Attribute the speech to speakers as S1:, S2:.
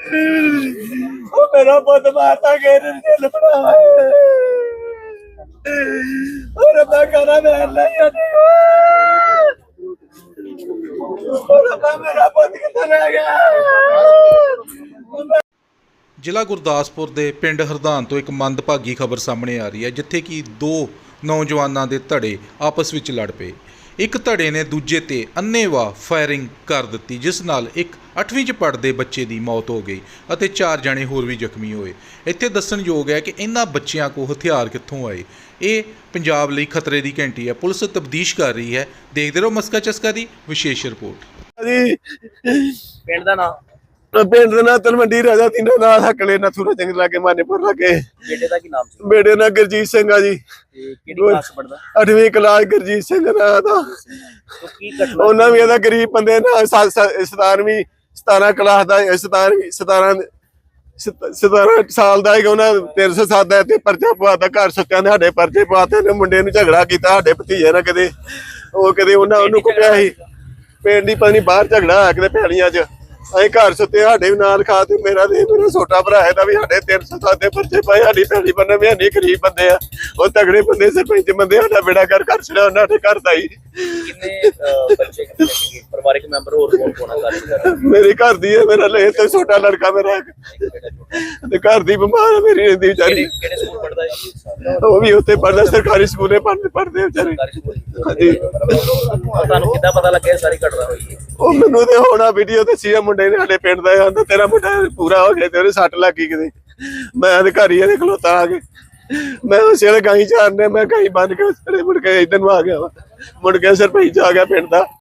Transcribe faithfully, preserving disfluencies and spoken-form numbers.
S1: ਉਹ ਮੇਰਾ ਪੁੱਤ ਮਾਰਤਾ ਗੇਰ ਦਿਲ ਬਣਾ ਉਹ ਰੱਬਾ ਕਰਾ ਮੈਂ ਨਹੀਂ ਆਦੀ ਉਹ ਰੱਬਾ ਮੇਰਾ ਪੁੱਤ ਕਿੱਥੇ ਰਹਿ ਗਿਆ।
S2: ਜ਼ਿਲ੍ਹਾ ਗੁਰਦਾਸਪੁਰ ਦੇ ਪਿੰਡ ਹਰਦਾਨ ਤੋਂ ਇੱਕ ਮੰਦਭਾਗੀ ਖਬਰ ਸਾਹਮਣੇ ਆ ਰਹੀ ਹੈ, ਜਿੱਥੇ ਕਿ ਦੋ ਨੌਜਵਾਨਾਂ ਦੇ ਧੜੇ ਆਪਸ ਵਿੱਚ ਲੜ ਪਏ। ਇੱਕ ਧੜੇ ਨੇ ਦੂਜੇ ਤੇ ਅੰਨ੍ਹੇਵਾਹ ਫਾਇਰਿੰਗ ਕਰ ਦਿੱਤੀ, ਜਿਸ ਨਾਲ ਇੱਕ ਅੱਠਵੀਂ 'ਚ ਪੜ੍ਹਦੇ ਬੱਚੇ ਦੀ ਮੌਤ ਹੋ ਗਈ ਅਤੇ ਚਾਰ ਜਣੇ ਹੋਰ ਵੀ ਜ਼ਖਮੀ ਹੋਏ। ਇੱਥੇ ਦੱਸਣਯੋਗ ਹੈ ਕਿ ਇਹਨਾਂ ਬੱਚਿਆਂ ਕੋਲ ਹਥਿਆਰ ਕਿੱਥੋਂ ਆਏ। ਇਹ ਪੰਜਾਬ ਲਈ ਖਤਰੇ ਦੀ ਘੰਟੀ ਹੈ। ਪੁਲਿਸ ਤਫਤੀਸ਼ ਕਰ ਰਹੀ ਹੈ। ਦੇਖਦੇ ਰਹੋ ਮਸਕਾ ਚਸਕਾ ਦੀ ਵਿਸ਼ੇਸ਼ ਰਿਪੋਰਟ।
S1: ਜੀ
S3: ਪਿੰਡ ਦਾ ਨਾਮ
S1: ਪਿੰਡ ਦਾ ਨਾਂ ਤਲਵੰਡੀ ਰਾਜਾ ਤਿੰਨਾਂ ਨਾਲ ਹਕਲੇ ਨਥੂਰਾ ਜੰਗ ਲਾਗੇ ਮਾਨੇਪੁਰ ਲਾਗੇ।
S3: ਬੇਟੇ ਦਾ ਕੀ ਨਾਮ ਸੀ?
S1: ਬੇਟੇ ਨਾਲ ਗੁਰਜੀਤ ਸਿੰਘ ਆ ਜੀ।
S3: ਤੇ ਕਿਹੜੀ ਕਲਾਸ ਪੜਦਾ?
S1: ਅੱਠਵੀਂ ਕਲਾਸ ਗੁਰਜੀਤ ਸਿੰਘ ਨਾਂ ਦਾ।
S3: तो ਕੀ ਘਟਨਾ?
S1: ਉਹਨਾਂ ਵੀ ਇਹਦਾ ਗਰੀਬ ਬੰਦੇ ਨਾਲ ਸਤਾਰਵੀਂ ਸਤਾਰਾਂ ਕਲਾਸ ਦਾ ਸਤਾਰਵੀਂ ਸਤਾਰਾਂ ਸਤਾਰਾਂ ਸਾਲ ਦਾ ਹੈਗਾ। ਉਹਨਾਂ ਤਿੰਨ ਸੌ ਸੱਤ ਦਾ ਤੇ ਪਰਚਾ ਪਵਾਤਾ। ਘਰ ਸੁੱਤਿਆਂ ਨੇ ਸਾਡੇ ਪਰਚੇ ਪਵਾਤੇ ਨੇ। ਮੁੰਡੇ ਨੂੰ ਝਗੜਾ ਕੀਤਾ ਸਾਡੇ ਭਤੀਜੇ ਨਾਲ, ਕਦੇ ਉਹ ਕਦੇ ਉਹਨਾਂ ਉਹਨੂੰ ਕੁੱਟਿਆ ਸੀ। ਪਿੰਡ ਦੀ ਪਤਾ ਨੀ ਬਾਹਰ ਝਗੜਾ ਹੋਇਆ ਕਿਤੇ ਪੈਲੀਆਂ 'ਚ। ਅਸੀਂ ਘਰ ਸੁੱਤੇ, ਸਾਡੇ ਵੀ ਨਾਲ ਖਾ ਤੇ ਮੇਰਾ ਤੇ ਮੇਰਾ ਛੋਟਾ ਭਰਾ ਇਹਦਾ ਵੀ ਸਾਡੇ ਤਿੰਨ ਸੌ ਸੱਤ ਦੇ ਪਰਚੇ ਪਾਏ। ਸਾਡੀ ਪੈਲੀ ਬੰਨੇ ਵੀ ਨਹੀਂ, ਗਰੀਬ ਬੰਦੇ ਆ। ਉਹ ਤਗੜੇ ਬੰਦੇ ਸਰਪੰਚ ਬੰਦੇ, ਸਾਡਾ ਬੇੜਾ ਕਰ ਘਰ ਛੜਿਆ ਉਹਨਾਂ ਦੇ ਘਰ ਦਾ ਹੀ।
S3: ਕਿੰਨੇ ਬੱਚੇ ਕਿੰਨੇ ਸੀਗੇ? ਪਰਿਵਾਰਕ ਮੈਂਬਰ ਹੋਰ ਕੌਣ ਕੌਣ ਆ?
S1: ਮੇਰੇ ਘਰ ਦੀ ਹੈ, ਮੇਰਾ ਲੈ ਤੇ ਛੋਟਾ ਲੜਕਾ ਮੇਰਾ ਤੇ ਘਰ ਦੀ ਬਿਮਾਰ ਹੈ ਮੇਰੀ ਰਹਿੰਦੀ ਵਿਚਾਰੀ।
S3: ਕਿਹੜੇ ਸਕੂਲ ਪੜਦਾ ਹੈ?
S1: ਉਹ ਵੀ ਉੱਥੇ ਪੜਦਾ, ਸਰਕਾਰੀ ਸਕੂਲੇ ਪੜ੍ਹਦੇ ਪੜ੍ਹਦੇ ਵਿਚਾਰੇ। ਹਾਂਜੀ।
S3: ਤੁਹਾਨੂੰ ਕਿੱਦਾਂ ਪਤਾ ਲੱਗਿਆ ਸਾਰੀ ਘਟਨਾ ਹੋਈ?
S1: ਉਹ ਮੈਨੂੰ ਤੇ ਹੋਣਾ ਵੀਡੀਓ ਦੱਸੀ ਆ ਮੁੰਡੇ ਨੇ ਸਾਡੇ ਪਿੰਡ ਦਾ। ਆਂਦਾ ਤੇਰਾ ਮੁੰਡਾ ਪੂਰਾ ਹੋ ਗਿਆ ਤੇ ਉਹਦੇ ਸੱਟ ਲੱਗੀ ਕਿਤੇ। ਮੈਂ ਤੇ ਘਰ ਹੀ ਇਹਦੇ ਖਲੋਤਾ ਆ ਕੇ। ਮੈਂ ਉਸੇ ਵੇਲੇ ਗਾਈ ਚਾਰਨੇ, ਮੈਂ ਗਾਈ ਬੰਨ ਕੇ ਮੁੜ ਕੇ ਇੱਧਰ ਨੂੰ ਆ ਗਿਆ ਵਾ। ਮੁੜ ਕੇ ਸਰਪੰਚ ਆ ਗਿਆ ਪਿੰਡ ਦਾ।